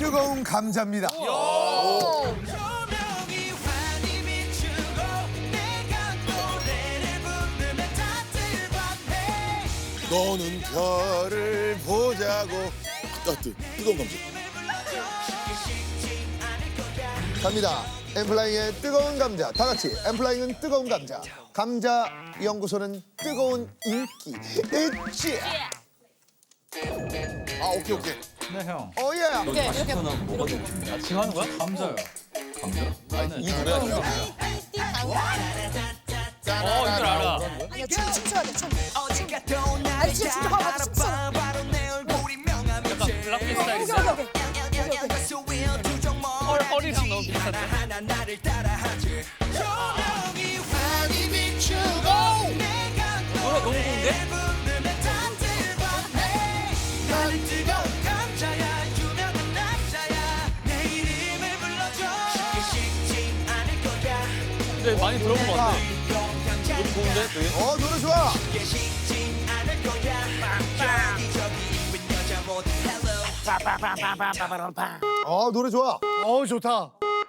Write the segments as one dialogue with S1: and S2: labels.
S1: 뜨거운 감자입니다.
S2: 너는 별을 보자고. 뜨거운 감자.
S1: 갑니다. 엠플라잉의 뜨거운 감자. 다 같이 엠플라잉은 뜨거운 감자. 감자 연구소는 뜨거운 인기. 있지.
S2: 아 오케이.
S3: 네, 형.
S1: 오예.
S3: 지금 하는 거야? 감자요. 감자?
S2: 이 노래야 이거.
S3: 이걸 알아.
S4: 아니야 춤춰야 돼 춤. 아니 진짜 봐봐 춤춰.
S3: 약간 블락비 스타일이죠? 허리랑 너무 비슷한데? 노래 너무 좋은데? 근데 많이 들어본 것 같아. 노래 좋은데? 되게?
S1: 노래 좋아. 노래 좋아.
S5: 좋다.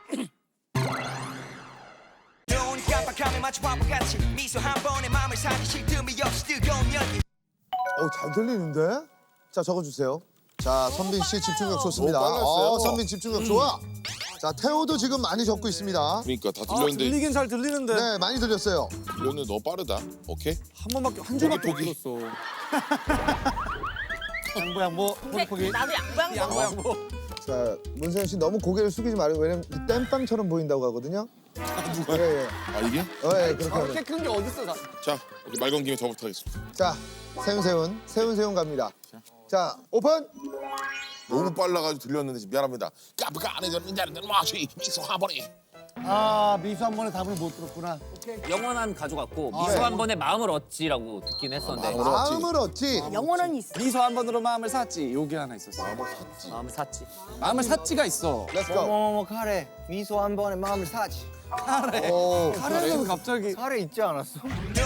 S1: 잘 들리는데? 자, 적어주세요. 자, 선빈 씨 집중력 좋습니다.
S2: 빨랐어요.
S1: 선빈 집중력 좋아. 자, 태호도 지금 많이 적고 있습니다.
S2: 그러니까 다 들렸는데
S5: 들리긴 잘 들리는데.
S1: 네, 많이 들렸어요.
S2: 들렸는데 너 빠르다. 오케이.
S5: 한 번밖에 한 줄밖에 못
S2: 포기.
S5: 들었어. 양보. 포기.
S4: 나도 양보.
S5: 양보.
S1: 자, 문세윤 씨 너무 고개를 숙이지 말고 왜냐면 땜빵처럼 보인다고 하거든요. 예.
S2: 아 이게?
S1: 그렇게 하면.
S5: 이렇게 큰 게 어딨어?
S2: 자 이렇게 말 건 김에 저부터 하겠습니다.
S1: 자, 세훈 갑니다. 자, 오픈.
S2: 너무 빨라가지고 들렸는데 지금 미안합니다. 까부가 안에 들었는데 마시 미소 화버리.
S5: 미수 한 번에 답을 못 들었구나.
S6: 영원한 가져갔고 미소 한 번에 마음을 얻지라고 듣긴 했었는데
S1: 마음을 얻지.
S4: 영혼은 있어.
S5: 미소 한 번으로 마음을 샀지. 요게 하나 있었어.
S6: 마음을 샀지.
S5: 마음을 샀지가 있어.
S1: Let's go.
S7: 카레 미소 한 번에 마음을 사지.
S1: 오.
S5: 카레는 갑자기.
S7: 카레 있지 않았어?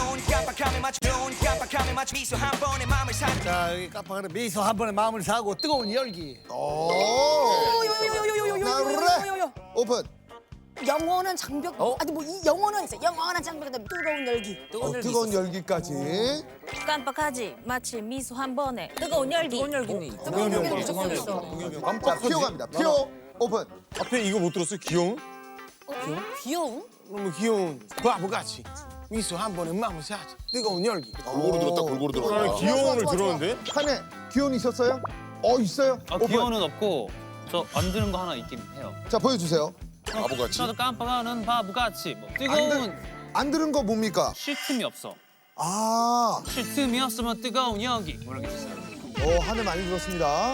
S5: 자 여기 깜빡하네. 미소 한 번에 마음을 사고 뜨거운 열기.
S1: 오.
S4: 요요요요요요요요요요.
S1: 오픈.
S4: 영원한 장벽. 아니 뭐 이 영원은 있어. 영원한 장벽에 뜨거운 열기.
S1: 뜨거운 열기까지.
S8: 깜빡하지 마치 미소 한 번에 뜨거운 열기.
S6: 뜨거운 열기는
S4: 뜨거운 열기 적혀 있어.
S1: 자, 피오 갑니다. 피오 오픈.
S9: 앞에 이거 못 들었어요? 귀여운?
S4: 귀여움?
S5: 너무 귀여운 바보같이. 미소 한 번에 마음을 사지. 뜨거운 열기.
S2: 골고루 들었다. 골고루
S9: 나는
S2: 들었다.
S9: 귀여운을
S4: 좋아.
S9: 들었는데?
S1: 한해 기온 있었어요? 있어요. 오픈.
S3: 기어는 없고 저 안 들은 거 하나 있긴 해요.
S1: 자, 보여주세요.
S2: 바보같이.
S3: 나도 깜빡하는 바보같이 뭐 뜨거운
S1: 안 들은 거 뭡니까?
S3: 쉴 틈이 없어.
S1: 아,
S3: 쉴 틈이 없으면 뜨거운 열기. 뭐라고 했어요?
S1: 한해 많이 들었습니다.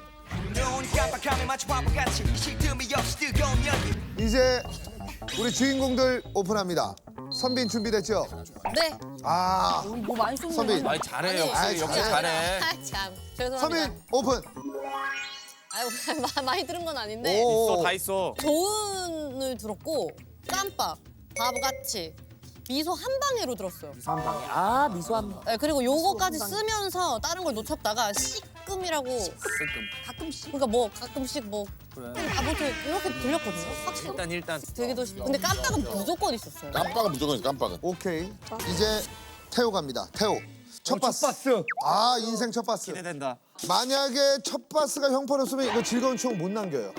S1: 이제 우리 주인공들 오픈합니다. 선빈 준비됐죠?
S4: 네. 뭐 많이 쏜
S1: 선빈.
S4: 거야.
S5: 잘해
S1: 아이,
S5: 역시
S1: 잘해.
S5: 잘해.
S8: 아, 참 죄송합니다.
S1: 선빈 오픈.
S8: 아유 많이 들은 건 아닌데
S1: 오.
S9: 다 있어.
S8: 조은을 들었고 깜빡 바보같이 미소 한 방에로 들었어요.
S4: 아 미소 한 번.
S8: 네, 그리고 요거까지 쓰면서 다른 걸 놓쳤다가 씨끔이라고
S4: 가끔씩.
S8: 그러니까 뭐 가끔씩 뭐 아무튼 이렇게 들렸거든요. 확실히
S6: 일단
S8: 되기도 싶어. 근데 깜빡은 무조건 있었어요.
S2: 깜빡은 무조건 있어. 깜빡은.
S1: 오케이. 이제 태호 갑니다. 태호. 첫 바스.
S5: 바스.
S1: 인생 첫 바스.
S5: 기대된다.
S1: 만약에 첫 바스가 형편없으면 이거 즐거운 추억 못 남겨요.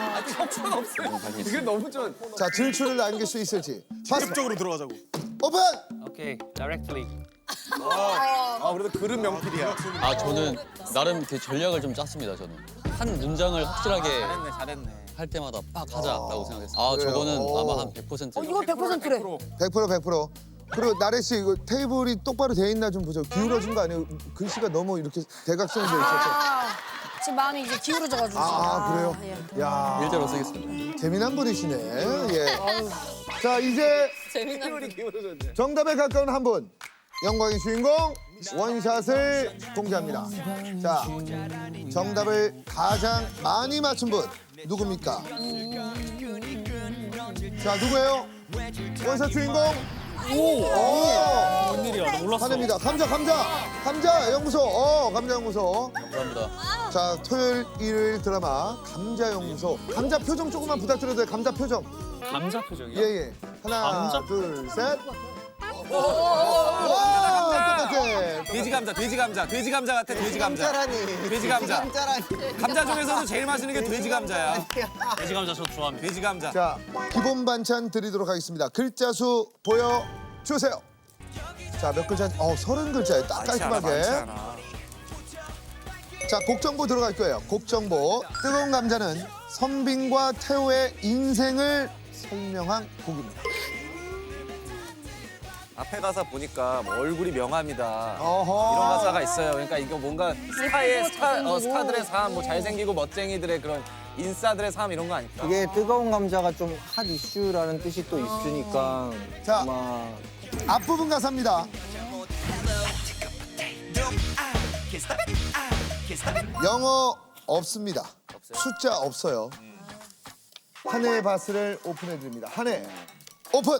S5: 이게 너무 좋아.
S1: 자, 질추를 남길 수 있을지. 바스
S9: 적으로 들어가자고.
S1: 오픈.
S3: 오케이, directly.
S5: 그래도 그릇 명필이야.
S10: 저는 나름 그 전략을 좀 짰습니다. 저는 한 문장을 확실하게
S5: 잘했네.
S10: 할 때마다 빡 하자라고 생각했어요.
S1: 그래요?
S10: 저거는
S1: 오.
S10: 아마 한 100%.
S4: 이거 100%래.
S1: 100%. 그리고 나래 씨 이거 테이블이 똑바로 돼 있나 좀 보죠. 기울어진 거 아니에요? 글씨가 너무 이렇게 대각선이 돼 있어서.
S4: 지금 마음이 이제 기울어져가지고.
S1: 그래요?
S4: 예.
S1: 야,
S10: 일자로 쓰겠습니다.
S1: 재미난 분이시네. 예. 자, 이제
S8: 재미난.
S1: 정답에 가까운 한 분. 영광의 주인공 원샷을 공개합니다. 자, 정답을 가장 많이 맞춘 분 누굽니까? 자, 누구예요? 원샷 주인공
S6: 웬일이야? 나 몰랐어.
S1: 화냅니다. 감자 연구소. 감자 연구소.
S10: 감사합니다.
S1: 자, 토요일 일요일 드라마 감자 연구소. 감자 표정 조금만 부탁드려도 돼요. 감자 표정.
S6: 감자 표정이야?
S1: 예. 하나,
S6: 감자?
S1: 둘, 셋. 와, 똑같아.
S3: 돼지 감자 같아. 돼지 감자.
S7: 감자라니.
S3: 돼지 감자.
S7: 감자라니.
S3: 감자 중에서도 제일 맛있는 게 돼지 감자야.
S6: 돼지 감자 저 좋아합니다.
S3: 돼지 감자.
S1: 자, 기본 반찬 드리도록 하겠습니다. 글자 수 보여주세요. 자, 몇 글자? 30글자예요. 딱 깔끔하게. 자, 곡 정보 들어갈 거예요. 곡 정보. 뜨거운 감자는 선빈과 태호의 인생을 설명한 곡입니다.
S3: 앞에 가사 보니까 뭐 얼굴이 명함이다.
S1: 어허.
S3: 이런 가사가 있어요. 그러니까 이거 뭔가 스타들의 삶, 뭐 잘생기고 멋쟁이들의 그런 인싸들의 삶 이런 거 아닐까?
S7: 이게 뜨거운 감자가 좀 핫 이슈라는 뜻이 또 있으니까
S1: 자.
S7: 아마
S1: 앞부분 가사입니다. 영어 없습니다. 숫자 없어요. 한 해의 바스를 오픈해 드립니다. 한 해 오픈.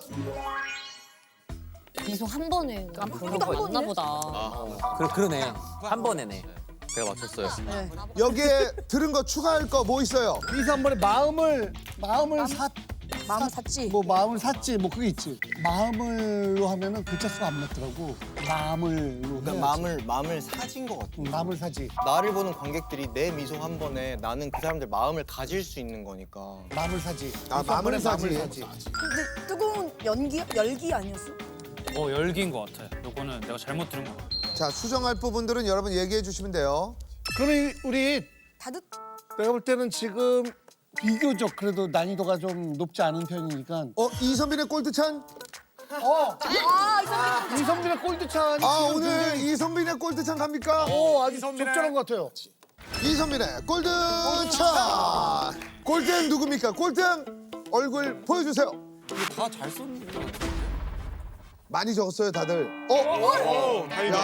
S8: 미소 한 번에 그런 거 있나 보다.
S6: 그러네. 한 번에네.
S10: 제가 맞췄어요.
S1: 여기에 들은 거 추가할 거 뭐 있어요?
S5: 미소 한 번에 마음을
S4: 마음 샀지.
S5: 마음을 샀지 뭐 그게 있지. 마음을로 하면은 글자 수가 안 맞더라고. 마음을로.
S7: 그러니까 마음을 사진 것 같아.
S5: 마음을 사지.
S7: 나를 보는 관객들이 내 미소 한 번에 나는 그 사람들 마음을 가질 수 있는 거니까.
S5: 마음을 사지.
S1: 아, 마음을 사지.
S4: 근데 뜨거운 열기 아니었어?
S6: 열기인 것 같아. 요거는 내가 잘못 들은 것 같아.
S1: 자, 수정할 부분들은 여러분 얘기해 주시면 돼요.
S5: 그러면 우리
S4: 다득?
S5: 내가 볼 때는 지금 비교적 그래도 난이도가 좀 높지 않은 편이니까.
S1: 이선빈의 골드찬?
S5: 이성빈의 골드찬이
S1: 오늘 이선빈의 골드찬 갑니까?
S5: 아주 적절한 것 같아요.
S1: 이선빈의 골드찬! 골든 누굽니까? 골든 얼굴 보여주세요.
S3: 다 잘 썼는데.
S1: 많이 적었어요, 다들. 야,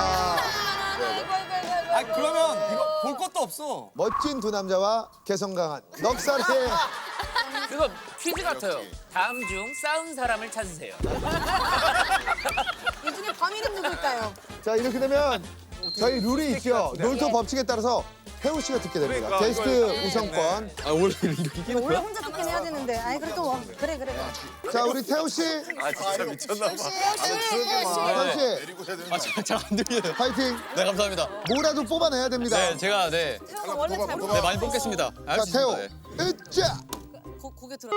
S3: 아 그러면 이거 볼 것도 없어.
S1: 멋진 두 남자와 개성 강한 넉살의
S6: 그거 퀴즈 같아요. 다음 중 싸운 사람을 찾으세요.
S4: 이 중에 범인은 누굴까요?
S1: 자, 이렇게 되면 저희 룰이 있죠. 놀토 법칙에 따라서 태우 씨가 듣게 됩니다.
S3: 그러니까,
S1: 게스트 우선권.
S10: 원래 이기는
S4: 원래 혼자 듣긴 해야 되는데. 아니 그래도 뭐, 그래.
S1: 자, 우리 태우 씨.
S3: 아 진짜 미쳤나 봐.
S1: 태우 씨,
S10: 잘 안 들려요.
S1: 파이팅.
S10: 네, 감사합니다.
S1: 뭐라도 뽑아내야 됩니다.
S10: 네, 제가
S4: 태호가 원래 잘
S10: 네, 많이 뽑겠습니다.
S1: 자,
S10: 알수
S1: 태우.
S10: 있습니다. 네.
S1: 으쌰!
S8: 고개 들어.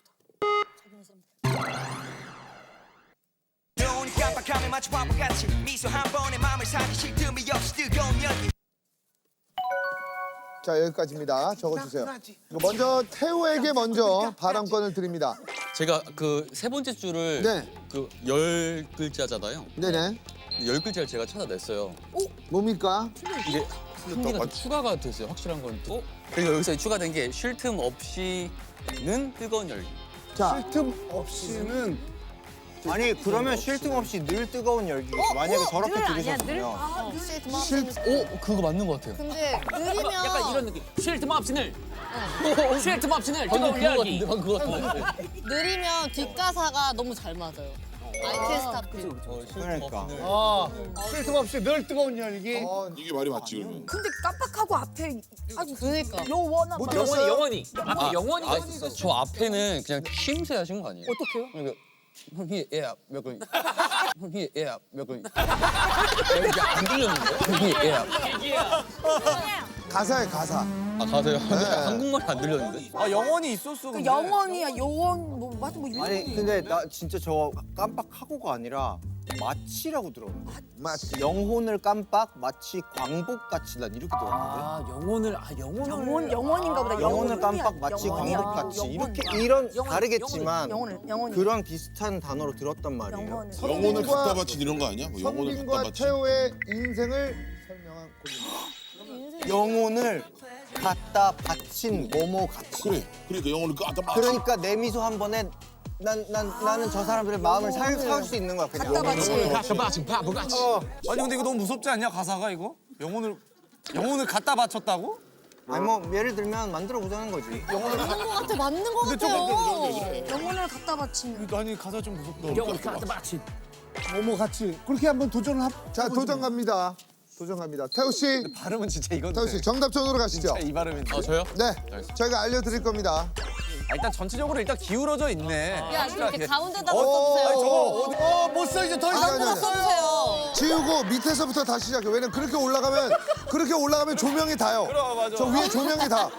S11: 눈 깜빡하면 마치 바보같이 미소 한 번에 마음을 사기 쉴 틈이 없이 뜨거운 열기.
S1: 자, 여기까지입니다. 적어주세요. 먼저 태우에게 먼저 발언권을 드립니다.
S10: 제가 그 세 번째 줄을
S1: 네.
S10: 그 10글자잖아요.
S1: 네네.
S10: 10글자를 제가 찾아냈어요.
S1: 뭡니까?
S10: 이게 한 개가 더 추가가 됐어요. 확실한 건 또. 그리고 여기서 추가된 게 쉴 틈 없이는 뜨거운 열기.
S1: 자,
S5: 틈 없이는
S7: 아니 그러면 쉴 틈 없이 늘 뜨거운 열기. 만약에 저렇게 들으셨으면
S10: 그거 맞는 것 같아요.
S8: 근데 느리면
S6: 약간 이런 느낌. 쉴 틈 없이 늘. 쉴 틈 없이 늘
S10: 방금
S6: 뜨거운
S10: 그거
S6: 열기.
S10: 같은데, 방금 그거 같은데.
S8: 느리면 뒷가사가 너무 잘 맞아요. 아이캔 스탑.
S7: 그러니까.
S5: 쉴 틈 없이 늘 뜨거운 열기.
S2: 이게 말이 맞지 그러면.
S4: 근데 깜빡하고 앞에
S8: 그러니까.
S4: 요원한
S1: 못 들었어요?
S6: 영원히. 앞에 영원히.
S10: 저 앞에는 그냥 쉼새 하신 거 아니에요?
S4: 어떡해요?
S10: 그러니까 형이 몇 글. 형이 몇 글. 이게 안 들렸는데? 형이
S1: 가사에 가사.
S10: 가세요. 한국말이 안 들렸는데?
S3: 아 영원히 있었어.
S4: 그
S3: 근데.
S4: 영원이야 요원 뭐 맞아 뭐 이런
S7: 아니 근데 나 진짜 저 깜빡하고가 아니라 마치라고 들었는데.
S1: 맞지.
S7: 영혼을 깜빡 마치 광복같이 난 이렇게 들었는데.
S4: 영원인가 보다.
S7: 영혼을 깜빡 마치
S4: 영원이야.
S7: 광복같이
S4: 영원.
S7: 이렇게 이런
S4: 영원.
S7: 다르겠지만
S4: 영혼을
S7: 그런 비슷한 단어로 들었단 말이에요.
S4: 영혼을.
S2: 영혼을 갖다 바친 이런 거 아니야? 뭐 영혼을 갖다
S1: 선빈과
S2: 바친.
S1: 태호의 인생을 설명한 곡입니다.
S7: 영혼을 갖다 바친 뭐뭐 같이.
S2: 그래. 그러니까 영혼을 갖다 바친.
S7: 그러니까 내 미소 한 번에 나는 저 사람들의 마음을 살 수 있는 거야. 그냥.
S4: 갖다 바치.
S3: 아니 근데 이거 너무 무섭지 않냐 가사가 이거? 영혼을 갖다 바쳤다고?
S7: 아니 뭐 예를 들면 만들어 보자는 거지.
S8: 맞는 거 같아, 맞는 거 같아요.
S4: 영혼을 갖다 바치면.
S9: 아니 가사 좀 무섭다.
S6: 영혼을 갖다 바친.
S5: 뭐뭐 같이 그렇게 한번 도전을
S1: 자, 도전 갑니다. 도전 갑니다. 태우 씨,
S3: 발음은 진짜 이건데.
S1: 태우 씨 정답전으로 가시죠.
S3: 이 발음인데.
S9: 저요?
S1: 네, 저희가 알려드릴 겁니다.
S3: 일단 전체적으로 일단 기울어져 있네.
S8: 야, 이렇게 가운데다
S1: 어,
S8: 써주세요.
S5: 못 써 이제 더
S1: 아니,
S5: 이상
S1: 아니, 아니.
S8: 써주세요.
S1: 지우고 밑에서부터 다시 시작해. 왜냐면 그렇게 올라가면 조명이 다요.
S3: 맞아.
S1: 저 위에 조명이 다.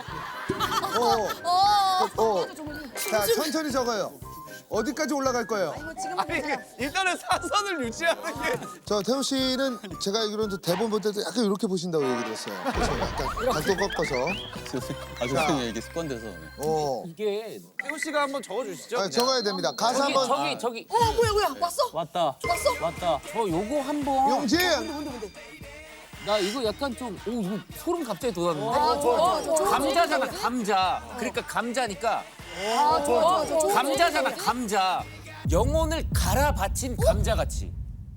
S1: 자, 천천히 적어요. 어디까지 올라갈 거예요?
S3: 아니 일단은 사선을 유지하는 게.
S1: 저 태우 씨는 제가 알기로는 대본 볼 때도 약간 이렇게 보신다고 얘기 들었어요. 그래서 약간 각도 꺾어서.
S10: 선생님 이게 습관돼서.
S6: 이게
S3: 태우 씨가 한번 적어주시죠.
S1: 아, 적어야 됩니다. 가사 한번.
S6: 저기
S4: 뭐야 왔어?
S6: 왔다. 왔다. 저 요거 한번.
S1: 용진.
S6: 나 이거 약간 좀 이거 소름 갑자기 돋았는데.
S4: 좋아.
S6: 감자잖아, 감자. 그러니까 감자니까
S4: 좋아.
S6: 감자잖아, 감자. 영혼을 갈아 바친 감자같이.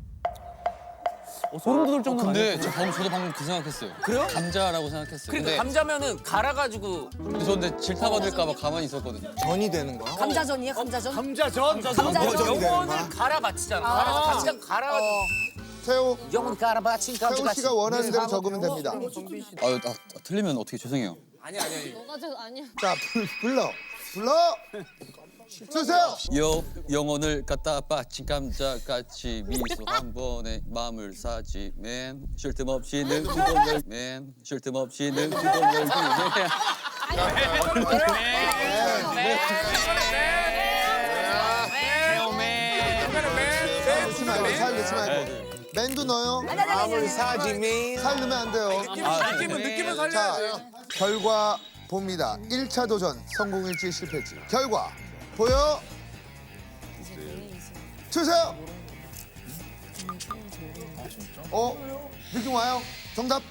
S6: 소름 돋을 정도
S10: 근데 저도 방금 그 생각했어요.
S6: 그래요?
S10: 감자라고 생각했어요.
S6: 그러니까 감자면은 갈아가지고.
S10: 근데 저 근데 질타 받을까봐 가만히 있었거든요.
S7: 전이 되는 거야?
S4: 감자전이야 감자전?
S5: 감자전
S6: 영혼을 갈아 바치잖아. 감자 갈아.
S1: 태우,
S6: 영혼 갈아 바친
S1: 태우
S6: 감자같이.
S1: 씨가 원하는 대로 적으면 됩니다.
S10: 틀리면 어떻게 죄송해요.
S3: 아니.
S8: 너가 저 아니야.
S1: 자, 불러. 주세요.
S10: 영혼을 갖다 바친 감자같이 미소 한 번에 마음을 사지 맨 쉴 틈 없이 늘 두번 열기
S1: 넣지 말고, 살 넣지 말고. 맨도 넣어요.
S7: 마음을 사지미.
S1: 살 넣으면 안 돼요.
S3: 느낌은
S1: 자,
S3: 살려야죠.
S1: 결과 봅니다. 1차 도전 성공일지 실패일지. 결과 보여 주세요. 느낌 와요? 정답.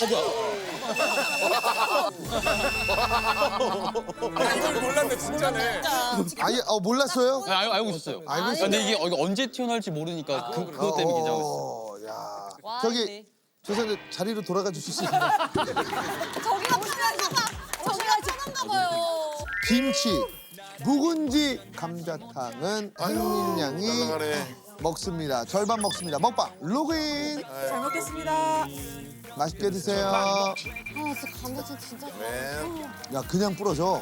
S3: 이걸 몰랐네 진짜네.
S1: 아예 몰랐어요?
S10: 알고 있었어요.
S1: 알고 있어요.
S10: 근데 이게 언제 튀어나올지 모르니까 그것 때문에 긴장했어요.
S1: 야.
S8: 와,
S1: 저기
S8: 네.
S1: 죄송한데 자리로 돌아가 주실 수 있나요?
S8: 저기가 편한가 봐요.
S1: 김치, 묵은지 감자탕은 혜민 양이
S2: 날라가네.
S1: 먹습니다. 절반 먹습니다. 먹방 로그인.
S4: 잘 먹겠습니다.
S1: 맛있게 드세요.
S8: 아, 진짜 감자전 진짜.
S1: 야 그냥 뿌려줘.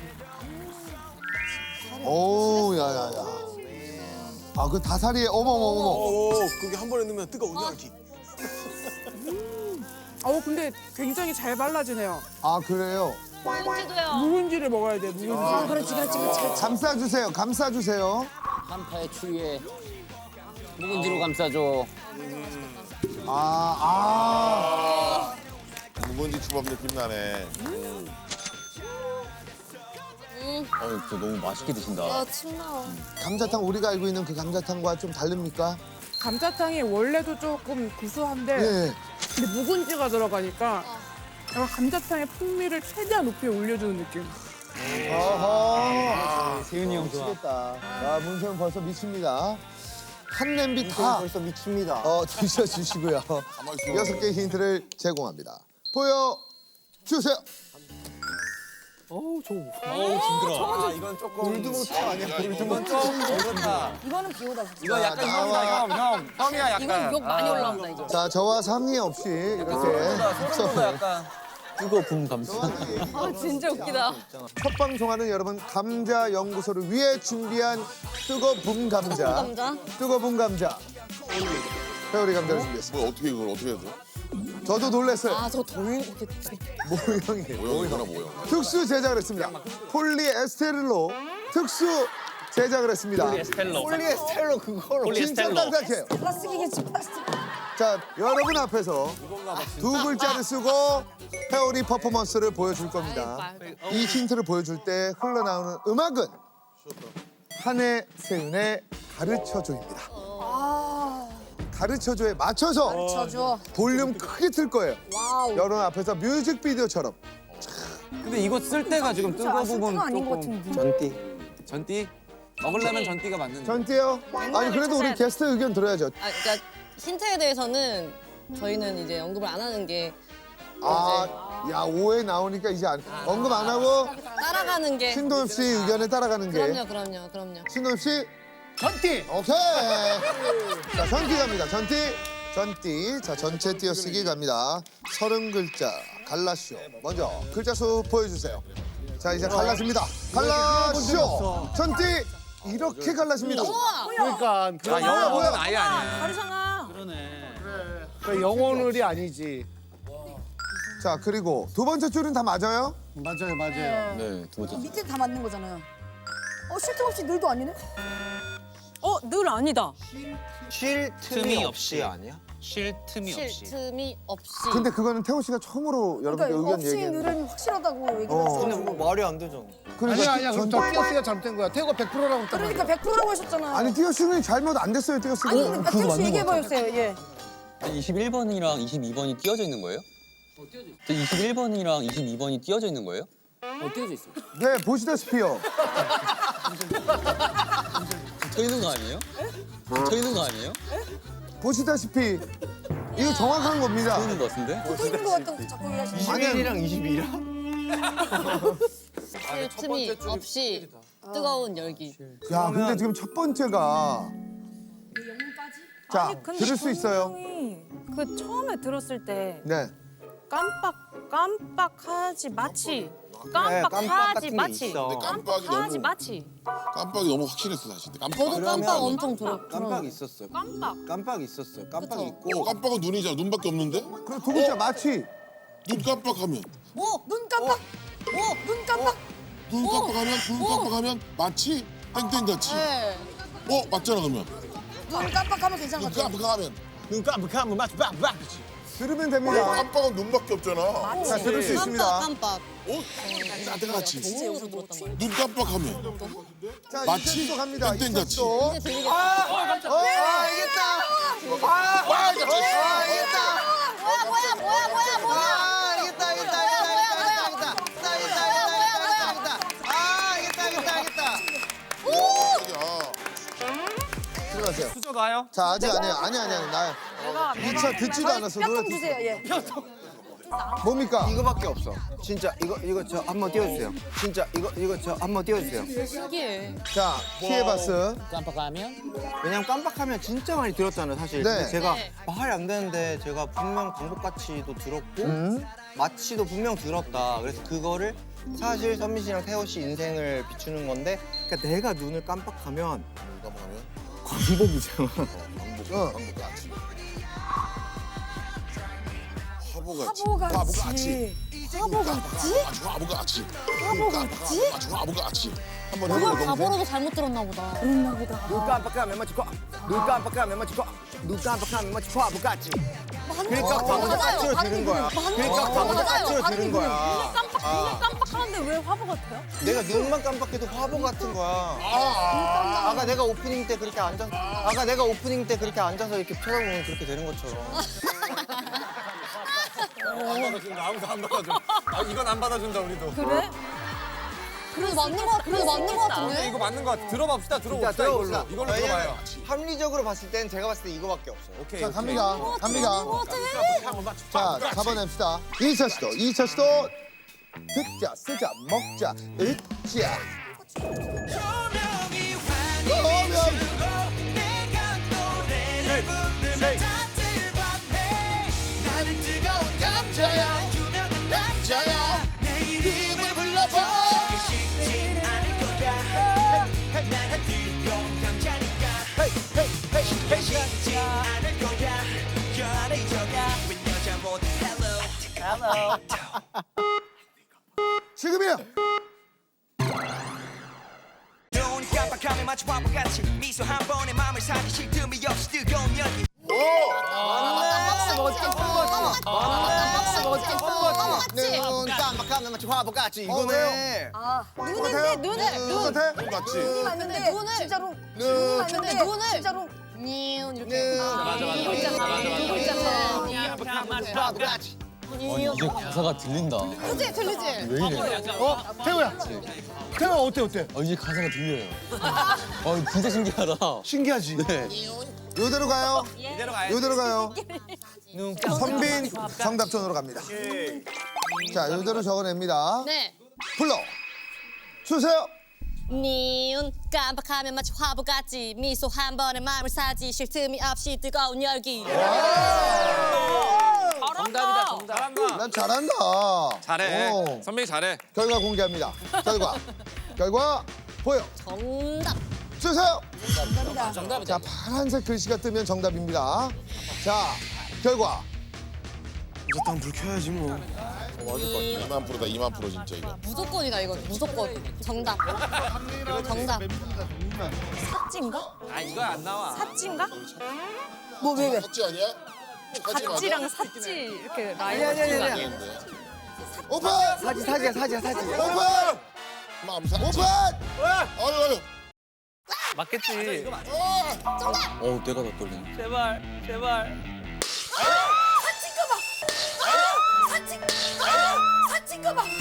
S1: 오, 야야야. 아 그 다살이에 어머.
S2: 그게 한 번에 넣으면 뜨거운지.
S12: 근데 굉장히 잘 발라지네요.
S1: 아 그래요?
S8: 묵은지도요.
S12: 묵은지를 먹어야 돼, 묵은지.
S4: 그렇지.
S1: 감싸주세요.
S6: 한파의 추위에 묵은지로 감싸줘.
S2: 묵은지 초밥 느낌 나네.
S10: 저 너무 맛있게 드신다.
S8: 아, 침 나와.
S1: 감자탕 우리가 알고 있는 그 감자탕과 좀 다릅니까?
S12: 감자탕이 원래도 조금 구수한데
S1: 네.
S12: 근데 묵은지가 들어가니까 약간 감자탕의 풍미를 최대한 높이 올려주는 느낌.
S1: 어허. 세윤이 형 미치겠다. 야 문세윤 벌써 미칩니다. 한 냄비 다
S7: 벌써 미칩니다.
S1: 드셔주시고요.
S2: 있어.
S1: 6개 힌트를 제공합니다. 보여 주세요.
S3: 이건 조금 골드모트 아니야? 골드모트 어렵다.
S4: 이거는 비오다.
S3: 이거 약간 형이야 약간.
S8: 이건 욕 많이 올라온다, 이거.
S1: 자 저와 상의 없이 이렇게
S3: 소름돋아 약간.
S10: 뜨거운 감자.
S8: 아, 진짜 웃기다.
S1: 첫 방송하는 여러분 감자 연구소를 위해 준비한 뜨거운 감자.
S8: 감자.
S1: 뜨거운 감자. 회오리 감자를 준비했습니다.
S2: 뭐 어떻게 이걸 어떻게 해야 돼?
S1: 저도 놀랐어요.
S8: 아, 저거 돌 이렇게.
S1: 모형이에요.
S2: 모형이구나 모형.
S1: 특수 제작을 했습니다. 폴리에스테르로 특수 제작을 했습니다.
S7: 폴리에스테로 그거로.
S1: 진짜 딱딱해요.
S4: 플라스틱이겠지 플라스틱.
S1: 자, 여러분 앞에서 두 글자를 쓰고 회오리 퍼포먼스를 보여줄 겁니다. 이 힌트를 보여줄 때 흘러나오는 음악은 한해 세윤의 가르쳐줘입니다. 가르쳐줘에 맞춰서
S4: 저줘.
S1: 볼륨 크게 틀 거예요.
S4: 와우.
S1: 여러분 앞에서 뮤직비디오처럼.
S3: 근데 이거 쓸 때가 지금 뜨거 부분
S4: 아닌것
S3: 조금
S4: 같은데.
S3: 전띠 먹으려면 전띠가 맞는데.
S1: 전띠요? 아니 그래도 우리 게스트 의견 들어야죠.
S8: 아, 그러니까 힌트에 대해서는 저희는 이제 언급을 안 하는 게
S1: 아 야, 오해 나오니까 이제 언급 안 하고
S8: 따라가는 게.
S1: 신동엽 씨 의견에 따라가는 게.
S8: 그럼요.
S1: 신동엽 씨,
S5: 전띠.
S1: 오케이. 자, 전띠 갑니다. 전띠. 자, 전체 띄어쓰기 갑니다. 30글자 갈라쇼. 먼저 글자 수 보여주세요. 자, 이제 갈라집니다. 갈라쇼. 전띠 이렇게 갈라집니다.
S5: 그러니까
S3: 영어는 아예 아니야.
S4: 다르잖아.
S5: 그 영혼을이 아니지.
S1: 자, 그리고 두 번째 줄은 다 맞아요?
S5: 맞아요.
S10: 네, 두 번째.
S4: 밑에 다 맞는 거잖아요. 쉴 틈 없이 늘도 아니네?
S8: 늘 아니다.
S7: 쉴 틈이 없이 아니야?
S6: 쉴 틈이
S8: 쉴 틈이 없이.
S1: 근데 그거는 태호 씨가 처음으로 여러분께
S4: 그러니까
S1: 의견
S4: 없이
S1: 얘기했는데.
S4: 늘은 확실하다고 얘기를
S1: 어.
S7: 근데
S4: 했어요.
S7: 뭐 말이 안 되잖아.
S5: 아니야. 그럼 저 띄어쓰기가 잘못된 거야. 태우가 100%라고 했단 말이야.
S4: 그러니까 100%라고 하셨잖아요.
S1: 아니, 띄어쓰기는 잘못 안 됐어요, 띄어쓰기.
S4: 아니, 근데 태우 씨 얘기해봐주세요. 예.
S10: 21번이랑 22번이 띄어져 있는 거예요? 21번이랑 22번이 띄어져 있는 거예요?
S6: 띄어져 있어.
S1: 네, 보시다시피요.
S10: 쳐 있는 거 아니에요? 쳐 있는 거 아니에요?
S1: 보시다시피 이거 정확한 겁니다.
S10: 쳐 있는 거 같은데?
S4: 붙어 있는 것 같다고 자꾸 얘기하시는
S7: 21이랑 22랑?
S8: 쉴 틈이 없이 뜨거운 열기.
S1: 야, 근데 지금 첫 번째가 자, 들을 수 있어요.
S8: 그 처음에 들었을 때
S1: 네.
S8: 깜빡하지 마치.
S7: 깜빡 같은 게 있어.
S2: 깜빡이 너무 확실했어 사실. 깜빡.
S8: 저도 깜빡 엄청
S7: 깜빡 있었어요. 깜빡 있었어요. 깜빡 있고.
S2: 깜빡은 눈이잖아. 눈밖에 없는데?
S1: 그리고 두 글자 마치.
S2: 눈 깜빡하면.
S4: 눈 깜빡. 눈 깜빡.
S2: 눈 깜빡하면 마치 땡땡같이.
S8: 네.
S2: 맞잖아 그러면.
S4: 눈 깜빡하면 괜찮은
S2: 눈
S4: 것 같아요.
S2: 깜빡하면.
S7: 눈 깜빡하면 마치 빡빡.
S1: 들으면 됩니다.
S2: 깜빡은 눈밖에 없잖아.
S1: 자, 들을 수 있습니다.
S8: 깜빡.
S2: 나같이.
S8: 진짜 여기서 들었단 말이야.
S2: 눈 깜빡하면.
S1: 자,
S2: 마치
S1: 이철도 갑니다.
S2: 땡땡같이.
S1: 이철도.
S8: 이제 들리겠다.
S7: 알겠다.
S1: 들어가세요.
S3: 수저 놔요.
S1: 자, 아직 아니에요. 아니. 나 2차 듣지도 않았어. 노래
S4: 뼈통 주세요. 예.
S1: 뭡니까?
S7: 이거밖에 없어. 진짜 이거 저 한번 띄워주세요. 진짜 이거 저 한번 띄워주세요.
S8: 신기해.
S1: 자, 피해바스.
S6: 깜빡하면?
S7: 왜냐면 깜빡하면 진짜 많이 들었잖아요, 사실.
S1: 네.
S7: 근데 제가
S8: 네.
S7: 말이 안 되는데 제가 분명 방법같이도 들었고 마치도 분명 들었다. 그래서 그거를 사실 선미 씨랑 태호 씨 인생을 비추는 건데, 그러니까 내가 눈을 깜빡하면 광복이잖아.
S2: 광복같이. 화보같이.
S4: 화보같이.
S2: 화보같이.
S4: 화보같이?
S2: 화보같이. 한번
S8: 그걸
S2: 해보자.
S8: 바보로도 잘못 들었나 보다.
S4: 그랬나 보다.
S7: 눈 깜빡하면 마치 눈 깜빡하면 마치 눈 깜빡하면 마치 화보같이. 그러니까 광복같이로 들은 거야. 그러니까 광복같이로 들은 거야.
S8: 눈을 깜빡하는데 왜 화보 같아요?
S7: 내가 눈만 깜빡해도 화보 같은 거야. 아까 내가 오프닝 때 그렇게 앉아서 이렇게 쳐다보면 그렇게 되는 것처럼.
S3: 안 받아준다. 아무도 안 받아줘. 이건 안 받아준다 우리도.
S8: 그래? 그래도 맞는 거 같은데?
S3: 이거 맞는 거 같아. 들어봅시다. 들어봅시다.
S7: 들어봅시다.
S3: 이걸로 들어봐요.
S7: 합리적으로 봤을 땐 제가 봤을 때 이거밖에 없어요.
S3: 오케이.
S1: 자, 갑니다. 자, 잡아냅시다. 2차 시도. 듣자, 쓰자, 먹자, 으자.
S2: 나는 뜨거운 감자야. 내 이름을 불러봐. 쉽진 않을 거야. 나는 뜨거운 감자니까. 쉽진 않을 거야. 열애적야. 웬 여자 모두 hello.
S1: 지금이야.
S11: 눈 깜빡하면 마치 화보같이 미소 한 번에 마음을 사기 틈이 없이 뜨거운 열기.
S7: 눈 깜빡하면 마치 화보같이 이거네.
S1: 똑같아?
S2: 같이.
S4: 눈이 맞는데 진짜로 눈이 맞는데 진짜로
S8: 이렇게.
S7: 화보같이.
S10: 이게 가사가 들린다.
S8: 그치? 들리지?
S10: 왜 이래?
S5: 태우야 어때?
S10: 이제 가사가 들려요. 진짜 신기하다.
S5: 신기하지?
S10: 네.
S1: 요대로 가요.
S3: 이대로 가야지.
S1: 요대로 가요. 선빈 정답전으로 갑니다. 자, 이대로 적어냅니다.
S8: 네.
S1: 불러 주세요.
S8: 니은 깜빡하면 마치 화보같이 미소 한 번에 마음을 사지 쉴 틈이 없이 뜨거운 열기.
S3: 정답이다, 정답.
S1: 난 잘한다.
S3: 잘해.
S1: 오.
S3: 선배님 잘해.
S1: 결과 공개합니다. 결과 보여
S8: 정답.
S1: 주세요.
S3: 정답이다.
S1: 자, 파란색 글씨가 뜨면 정답입니다. 자, 결과
S7: 어쨌든 불 켜야지 뭐.
S2: 2만%다 2만% 진짜 이거.
S8: 무조건이다 이거. 무조건. 정답. 정답. 삿지인가?
S3: 아, 이거 안 나와.
S8: 삿지인가?
S4: 뭐 왜?
S2: 샀지 아니야? 샀지 맞아?
S8: 삿지 이렇게 라인.
S7: 아니야.
S1: 오픈!
S7: 사지야.
S1: 오픈!
S2: 마음 샀지.
S1: 오픈!
S2: 아유.
S6: 맞겠지.
S7: 어우 내가 더 떨리네.
S6: 제발.
S4: 사칭 봐.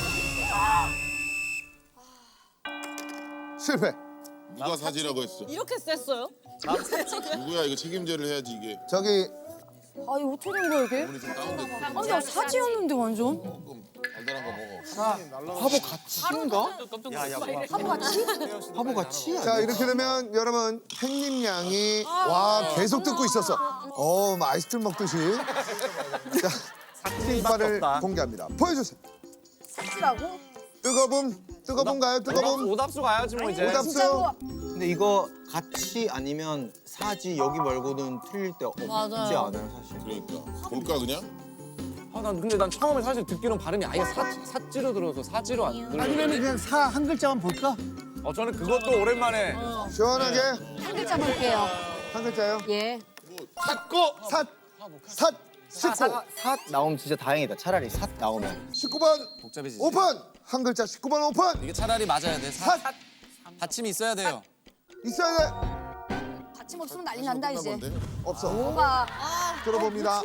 S1: 실패.
S2: 누가 사지라고 했어?
S8: 이렇게 셌어요?
S2: 누구야 이거 책임제를 해야지 이게.
S1: 저기
S4: 아니 어떻게 된 거야 이게?
S2: 오늘 좀 다운됐고.
S4: 아니 나 사지였는데 완전.
S2: 조금 달달한 거 먹어.
S7: 화보 같이인가?
S4: 화보 같이?
S7: 화보 같이?
S1: 자, 이렇게 되면 여러분 햇님양이 와 계속 듣고 있었어. 막 아이스크림 먹듯이. 자, 삭제발을 공개합니다. 보여주세요.
S4: 사지라고?
S1: 뜨거움가요? 뜨거움.
S3: 오답수 가야지 뭐 이제.
S1: 오답수.
S7: 근데 이거 같이 아니면 사지 여기 말고는 틀릴 때 없지
S8: 맞아요.
S7: 않아요 사실.
S2: 그러니까 볼까 그냥?
S3: 근데 난 처음에 사실 듣기로는 발음이 아예 사지로 들어서 사지로 안 들려.
S5: 아니면 그냥 사 한 글자만 볼까?
S3: 저는 그것도 오랜만에.
S1: 시원하게
S4: 한 글자 볼게요.
S1: 한 글자요.
S4: 예.
S1: 식구.
S7: 삿 나오면 진짜 다행이다. 차라리 삿 나오면.
S1: 19번
S3: 복잡해지지.
S1: 오픈. 한 글자 19번 오픈.
S3: 이게 차라리 맞아야 돼. 받침이 있어야 돼요.
S1: 있어야 돼.
S4: 받침 없으면 난리 난다 이제.
S2: 건데?
S1: 없어.
S4: 뭐가?
S1: 들어봅니다.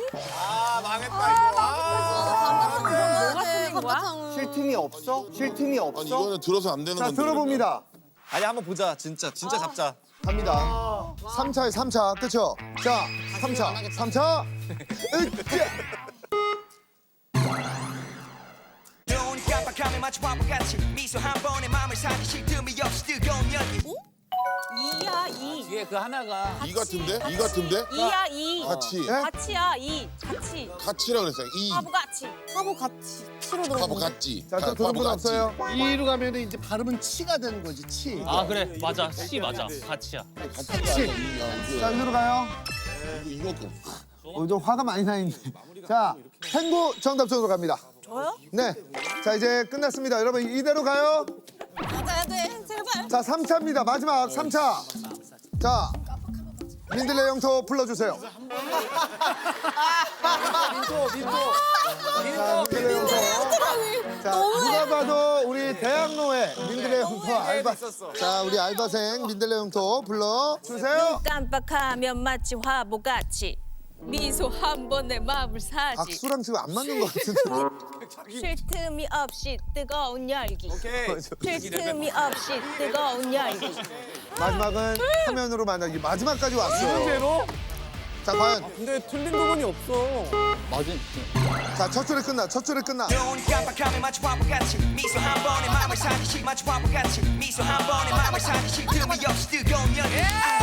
S8: 뭐가 틀린 거야?
S7: 쉴 틈이 없어? 쉴 틈이 없어?
S2: 아니 이거는 들어서 안 되는
S1: 자,
S2: 건데.
S1: 들어봅니다.
S3: 아니 한번 보자. 진짜 잡자.
S1: 갑니다. 3차에 3차 그쵸? 자, 3차. 으쌰.
S11: 눈 깜빡하면 마치 화보같이 미소 한 번에 마음을 사기 쉴 틈이 없이 뜨거운 열기.
S8: 이야 이.
S6: 뒤에 그 하나가
S2: 이 같은데? 이 같은데?
S8: 이야 이.
S2: 같이.
S1: 네?
S8: 같이야 이. 같이.
S2: 같이라 그랬어요. 이.
S8: 화보같이. 화보같이. 치로 들어.
S2: 화보 같지.
S1: 자, 또 들은 분 없어요?
S5: 이로 가면 이제 발음은 치가 되는 거지, 치.
S6: 아 그래 맞아 씨 맞아 같이야.
S1: 자, 여기로 가요.
S2: 이거
S1: 좀 화가 많이 나 있네. 자, 탱구 정답 쪽으로 갑니다.
S8: 저요?
S1: 네. 자, 이제 끝났습니다. 여러분, 이대로 가요.
S8: 맞아야 돼. 제발.
S1: 자, 3차입니다. 마지막 3차. 자, 민들레 영토 불러주세요. 자, 민들레 영토. 자, 누가 봐도 우리 대학로에 민들레 영토 알바. 자, 우리 알바생 민들레 영토 불러주세요.
S8: 깜빡하면 마치 화보같이 미소 한 번에 마음을 사지
S1: 박수랑 지금 안 맞는 것 같은데.
S8: 쉴 틈이 없이 뜨거운 열기 쉴 틈이 없이 뜨거운 열기
S1: 마지막은 화면으로 만나기. 마지막까지 왔어요.
S3: 문제로?
S1: 자, 과연.
S3: 근데 틀린 부분이 없어.
S1: 자, 첫 줄에 끝나.
S11: 눈 깜빡하면 마치 화보같이 미소 한 번에 마음을 사기 쉴 마치 화보같이 미소 한 번에 마음을 사기 쉴 틈이 없이 뜨거운 열기.